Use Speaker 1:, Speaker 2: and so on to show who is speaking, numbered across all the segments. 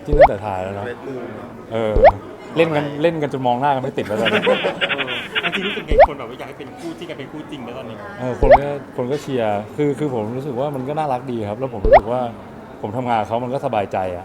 Speaker 1: จิ้นตั้งแต่ถ่ายแล้วนะ
Speaker 2: เรดบูม
Speaker 1: เออเล่นกันจนมองหน้ากันไม่ติดแล้วตอนนี้
Speaker 3: จริงรู้สึกไงคนแบบว่าอยากให้เป็นคู่ที่กันเป็นคู่จริงแล้วตอนนี้
Speaker 1: คนก็เชียร์คือผมรู้สึกว่ามันก็น่ารักดีครับแล้วผมรู้สึกว่าผมทำงานกับเขามันก็สบายใจอ่ะ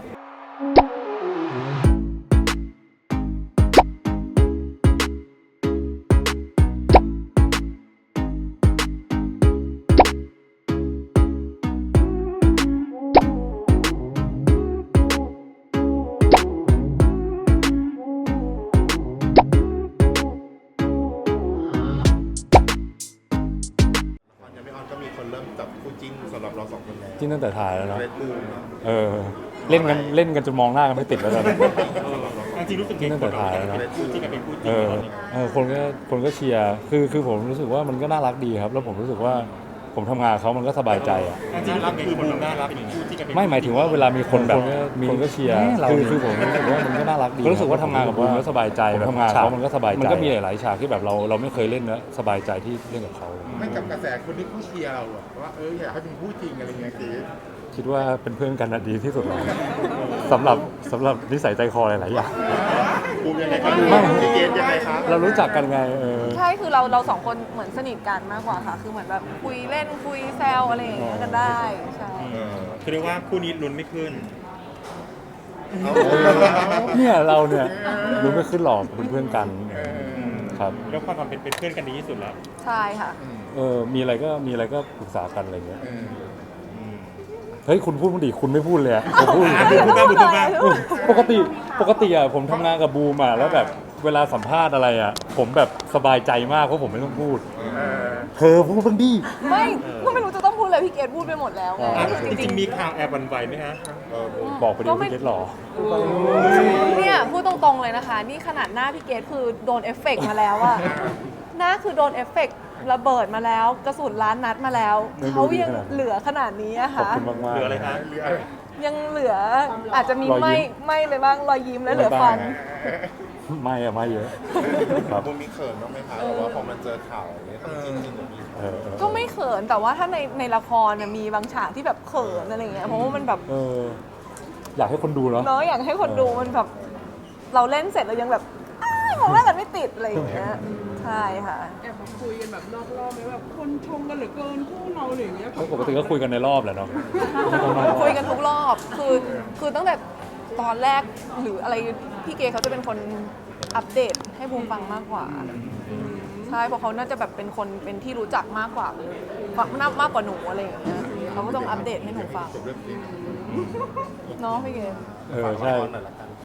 Speaker 2: ยังไม่ออนก็มีคนเริ่มจับคู่จิ้นสำหรับเราสองคนแล้ว
Speaker 1: จิ้นตั้งแต่ถ่ายแล้วนะ
Speaker 2: เรดบูม
Speaker 1: เออเล่นกันจนมองหน้ากันไม่ติดแล้วตอนนี้
Speaker 3: จริงรู้สึกไงคนแบบว่าอยากให้เป็นคู่ที่กันเป็นคู่จริงแล้วตอนนี้
Speaker 1: คนก็เชียร์คือผมรู้สึกว่ามันก็น่ารักดีครับแล้วผมรู้สึกว่าผมทำงานกับเขามันก็สบายใจอ่ะ
Speaker 3: จริงรู้สึกไงคนแบบน่ารักเป็นคู่ที่กันเป็น
Speaker 1: ไม่หมายถึงว่าเวลามีคนแบบคนก็เชียร์คือผมรู้สึกว่ามันก็น่ารักดีรู้สึกว่าทำงานกับบูมแล้วสบายใจแบบทำงานเขามันก็สบายใจมันก็มีหลายๆฉากที่แบบเราไม่เคยเล่นนะสบายใจที่เล่นกับเขา
Speaker 2: ไม่กับกระแสคนที่ผู้เชียร์เราอะว่าอยากให้เป็นคู่จริงอะไรเงี้ยคือ
Speaker 1: คิดว่าเป็นเพื่อนกันน่ะดีที่สุดแล้วสำหรับนิสัยใจคอหลายๆอย่าง
Speaker 2: บูมยังไงครับพี่เกณฑ์ยังไงครับ
Speaker 1: เรารู้จักกันไง
Speaker 4: ใช่คือเราสองคนเหมือนสนิทกันมากกว่าค่ะ คือเหมือนแบบคุยเล่นคุยแซวอะไรอย่างเงี้ยกันได้ใช่
Speaker 3: คือเรียกว่าคู่นี้ลุ้นไม่ขึ้น
Speaker 1: เนี่ยเราเนี่ยรู้ไม่ขึ้นหรอกเป็นเพื่อนกันครับ
Speaker 3: แล้วความเป็นเพื่อนกันดีที่สุดแล้ว
Speaker 4: ใช่ค่ะ
Speaker 1: มีอะไรก็ปรึกษากันอะไรเงี้ยเฮ้ยคุณพูดดิคุณไม่พูดเลยอะผมพูดอยู่
Speaker 3: พูดบ้างพูดบ้าง
Speaker 1: ปกติอะผมทำงานกับบูมอะแล้วแบบเวลาสัมภาษณ์อะไรอะผมแบบสบายใจมากเพราะผมไม่ต้องพูดเธอพูดบ้างดิ
Speaker 4: ก็ไม่รู้จะต้องพูดเลยพี่เกดพูดไปหมดแล้วไง
Speaker 3: จริงๆมีข่าวแอบหวันไหวไหมฮะ
Speaker 1: บอกไปดิพี่เกดหรอ
Speaker 4: เนี่ยพูดตรงๆเลยนะคะ นี่ขนาดหน้าพี่เกดคือโดนเอฟเฟกต์มาแล้วอะหน้าคือโดนเอฟเฟกต์ระเบิดมาแล้วกระสุนล้านนัดมาแล้ว
Speaker 1: ไม่รู้
Speaker 4: เขายัง
Speaker 1: ดีขนาดนั้น
Speaker 4: เหลือขนาดนี้อะ
Speaker 1: ขอบ
Speaker 4: ค่ะ
Speaker 1: คุณมาก
Speaker 3: เหลืออะไรคะ
Speaker 4: ยังเหลืออาจจะมี
Speaker 1: รอยยิ้ม
Speaker 4: ไม่ไปบ้างรอยยิ้มและเหลือฟัน
Speaker 1: ไม่อะไม่เยอะครับ
Speaker 2: บูมมีเขินบ้างไหมคะแบบว่าพอมันเจอข่าวอย่างเงี้ยจริงๆมี
Speaker 4: ก็ไม่เขินแต่ว่าถ้าในละครน่ะมีบางฉากที่แบบเขินอะไรเงี้ยเพราะว่ามันแบบ
Speaker 1: อยากให้คนดูเนาะ
Speaker 4: เนาะอยากให้คนดูมันแบบเราเล่นเสร็จเรายังแบบมองหน้ากันไม่ติดอะไรอย่างเงี้ยใช่ค่ะ
Speaker 5: แอบมาคุยกันแบบนอกรอบไหมแบบคนชมกันเหลือเกินคู่เราอะไรอย่างเงี้ย
Speaker 1: ปกติก็คุยกันในรอบแหละเนาะ
Speaker 4: คุยกันทุกรอบคือตั้งแต่ตอนแรกหรืออะไรพี่เกเขาจะเป็นคนอัปเดตให้บูมฟังมากกว่าใช่เพราะเขาน่าจะแบบเป็นคนเป็นที่รู้จักมากกว่ามากกว่าหนูอะไรอย่างเงี้ยเขาก็ต้องอัปเดตให้หนูฟังเนาะพี่เก
Speaker 1: ใช่